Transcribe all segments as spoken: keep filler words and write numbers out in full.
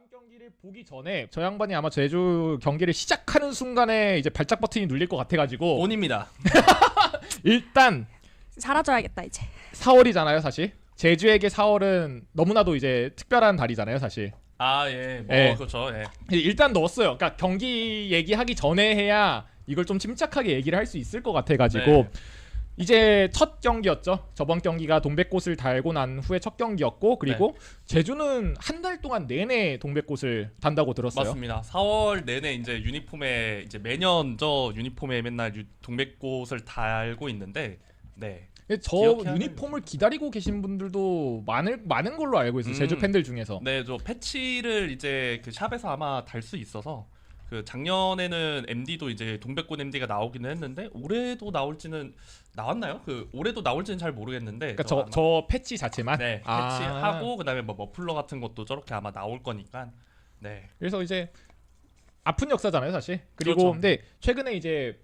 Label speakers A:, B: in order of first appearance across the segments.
A: 경기를 보기 전에 저 양반이 아마 제주 경기를 시작하는 순간에 이제 발작 버튼이 눌릴 것 같아가지고
B: 온입니다.
A: 일단
C: 사라져야겠다 이제.
A: 사월이잖아요 사실. 제주에게 사월은 너무나도 이제 특별한 달이잖아요 사실.
B: 아 예, 뭐
A: 예.
B: 그렇죠. 예.
A: 일단 넣었어요. 그러니까 경기 얘기하기 전에 해야 이걸 좀 침착하게 얘기를 할 수 있을 것 같아가지고
B: 네.
A: 이제 첫 경기였죠. 저번 경기가 동백꽃을 달고 난 후에 첫 경기였고 그리고
B: 네.
A: 제주는 한 달 동안 내내 동백꽃을 단다고 들었어요.
B: 맞습니다. 사월 내내 이제 유니폼에 이제 매년 저 유니폼에 맨날 유, 동백꽃을 달고 있는데 네.
A: 저
B: 기억해야
A: 유니폼을 기다리고 계신 분들도 많을 많은 걸로 알고 있어요.
B: 음.
A: 제주 팬들 중에서.
B: 네, 저 패치를 이제 그 샵에서 아마 달 수 있어서 그 작년에는 엠디도 이제 동백꽃 엠디가 나오기는 했는데 올해도 나올지는 나왔나요? 그 올해도 나올지는 잘 모르겠는데.
A: 그러니까 저 저 패치 자체만.
B: 네,
A: 아.
B: 패치하고 그다음에 뭐 머플러 같은 것도 저렇게 아마 나올 거니까. 네.
A: 그래서 이제 아픈 역사잖아요, 사실. 그리고
B: 그렇죠.
A: 근데 최근에 이제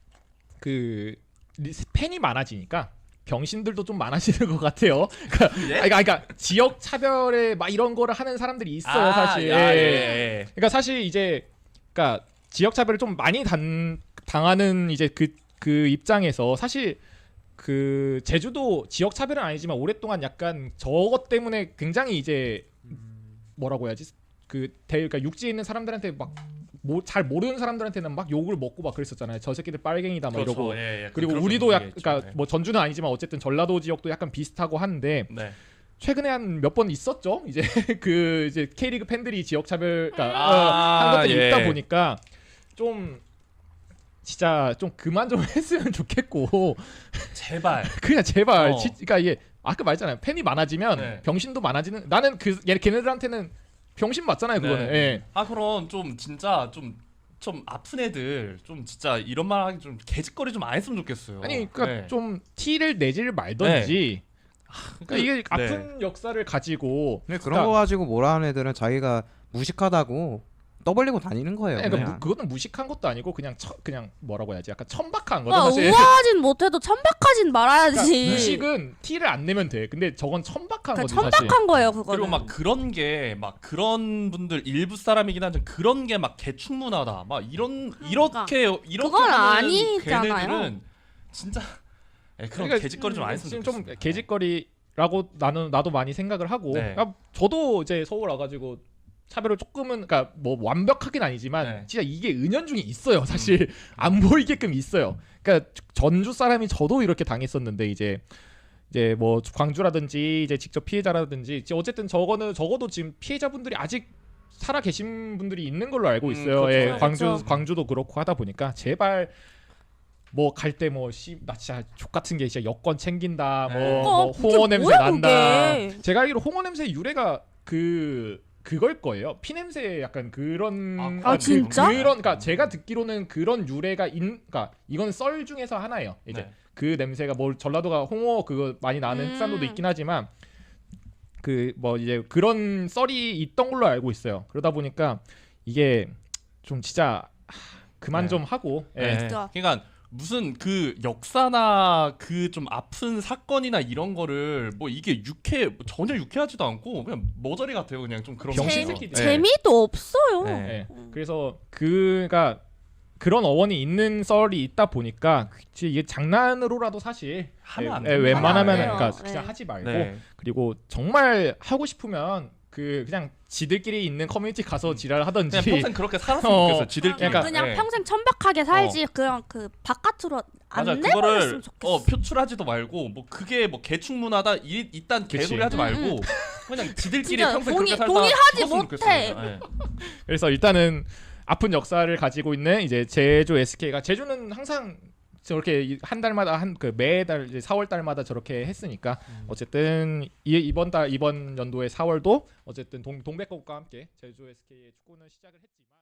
A: 그 리- 팬이 많아지니까 병신들도 좀 많아지는 것 같아요. 그러니까,
B: 예?
A: 아니, 그러니까, 그러니까 지역 차별에 막 이런 거를 하는 사람들이 있어요,
B: 아,
A: 사실.
B: 아, 예,
A: 예.
B: 예.
A: 그러니까 사실 이제 그러니까 지역 차별을 좀 많이 단, 당하는 이제 그 그 입장에서 사실 그 제주도 지역 차별은 아니지만 오랫동안 약간 저것 때문에 굉장히 이제 뭐라고 해야지 그 대, 그러니까 육지에 있는 사람들한테 막 잘 모르는 사람들한테는 막 욕을 먹고 막 그랬었잖아요. 저 새끼들 빨갱이다 막
B: 그렇죠.
A: 이러고.
B: 예, 예.
A: 그리고
B: 그런
A: 우리도 약
B: 분위기겠죠.
A: 그러니까
B: 네.
A: 뭐 전주는 아니지만 어쨌든 전라도 지역도 약간 비슷하고 한데
B: 네.
A: 최근에 한 몇 번 있었죠. 이제 그 이제 K리그 팬들이 지역 차별 그러니까
B: 아,
A: 어, 한 것들이
B: 예.
A: 있다 보니까 좀 진짜 좀 그만 좀 했으면 좋겠고
B: 제발.
A: 그냥 제발
B: 어.
A: 지, 그러니까 이게 아까 말했잖아요. 팬이 많아지면
B: 네.
A: 병신도 많아지는 나는 그 얘 걔네들한테는 병신 맞잖아요. 그거는.
B: 네.
A: 예.
B: 아 그럼 좀 진짜 좀 좀 아픈 애들 좀 진짜 이런 말 하기 좀 개짓거리 좀 안 했으면 좋겠어요.
A: 아니 그러니까
B: 네.
A: 좀 티를 내지를 말던지 그러니까
B: 그-
A: 이게
B: 네.
A: 아픈 역사를 가지고
D: 근데 그런
A: 그러니까-
D: 거 가지고 뭐라 하는 애들은 자기가 무식하다고 떠벌리고 다니는 거예요.
A: 그러니까
D: 그냥.
A: 무, 그거는 무식한 것도 아니고 그냥 처, 그냥 뭐라고 해야지 약간 천박한 거죠
C: 와,
A: 사실.
C: 우아하진 못해도 천박하진 말아야지.
A: 그러니까 무식은 티를 안 내면 돼. 근데 저건 천박한
C: 그
A: 거지 사실.
C: 천박한 거예요 그거는.
B: 그리고 막 그런 게 막 그런 분들 일부 사람이긴 한데 그런 게 막 개충문화다. 막 이런 이렇게 이렇게
C: 그건
B: 하는
C: 아니잖아요.
B: 걔네들은 진짜 에, 그런
A: 그러니까
B: 개짓거리 좀 안 했으면
A: 지금
B: 좋겠어.
A: 좀 개짓거리라고 나는 나도 많이 생각을 하고.
B: 네.
A: 그러니까 저도 이제 서울 와가지고 차별을 조금은 그러니까 뭐 완벽하긴 아니지만
B: 네.
A: 진짜 이게 은연중에 있어요. 사실 안 보이게끔 있어요. 그러니까 전주 사람이 저도 이렇게 당했었는데 이제 이제 뭐 광주라든지 이제 직접 피해자라든지 이제 어쨌든 저거는 적어도 지금 피해자분들이 아직 살아 계신 분들이 있는 걸로 알고
B: 음,
A: 있어요.
B: 그렇죠.
A: 예,
C: 그렇죠.
A: 광주 광주도 그렇고 하다 보니까 제발 뭐 갈 때 뭐 씨 나 진짜 족 같은 게 진짜 여권 챙긴다 뭐,
B: 네.
A: 뭐
C: 어, 그게
A: 홍어 냄새
C: 뭐야,
A: 난다.
C: 그게.
A: 제가 알기로 홍어 냄새 유래가 그 그걸 거예요. 피 냄새 약간 그런
B: 아,
C: 아, 진짜?
A: 그런 그러니까 제가 듣기로는 그런 유래가 인 그러니까 이건 썰 중에서 하나예요. 이제
B: 네.
A: 그 냄새가 뭐 전라도가 홍어 그거 많이 나는
C: 음.
A: 흑산도도 있긴 하지만 그 뭐 이제 그런 썰이 있던 걸로 알고 있어요. 그러다 보니까 이게 좀 진짜 하, 그만
B: 네.
A: 좀 하고 예.
B: 네.
C: 진짜.
B: 그러니까 무슨 그 역사나 그 좀 아픈 사건이나 이런 거를 뭐 이게 유쾌 뭐 전혀 유쾌하지도 않고 그냥 머저리 같아요. 그냥 좀 그런
A: 병신
B: 거.
A: 새끼들.
B: 네.
C: 재미도 없어요.
B: 네.
A: 예. 그래서 그가 그런 어원이 있는 썰이 있다 보니까 이게 장난으로라도 사실
B: 하면 안
A: 예, 예,
B: 돼요.
A: 웬만하면
C: 하면 안 돼요.
A: 그러니까 그냥
C: 네.
A: 하지 말고
B: 네.
A: 그리고 정말 하고 싶으면 그 그냥 지들끼리 있는 커뮤니티 가서 지랄 하던지
B: 그냥 평생 그렇게 살았으면
A: 어.
B: 좋겠어요. 지들끼리.
C: 그냥,
A: 그러니까-
C: 그냥
B: 네.
C: 평생 천박하게 살지. 그냥 그 바깥으로 안
B: 맞아.
C: 내버렸으면
B: 그거를
C: 좋겠어.
B: 어, 표출하지도 말고 뭐 그게 뭐 개충문화다 이 이딴
A: 그치.
B: 개소리 하지
C: 음,
B: 말고 그냥 지들끼리
C: 진짜
B: 평생
C: 동의-
B: 그렇게 살다
C: 동의하지
B: 죽었으면
C: 못해.
B: 좋겠어요. 네.
A: 그래서 일단은 아픈 역사를 가지고 있는 이제 제주 에스케이가 제주는 항상 저렇게 한 달마다 한 그 매달 이제 사월 달마다 저렇게 했으니까 어쨌든 이, 이번 달 이번 연도의 사월도 어쨌든 동, 동백꽃과 함께 제주 에스케이의 축구는 시작을 했지만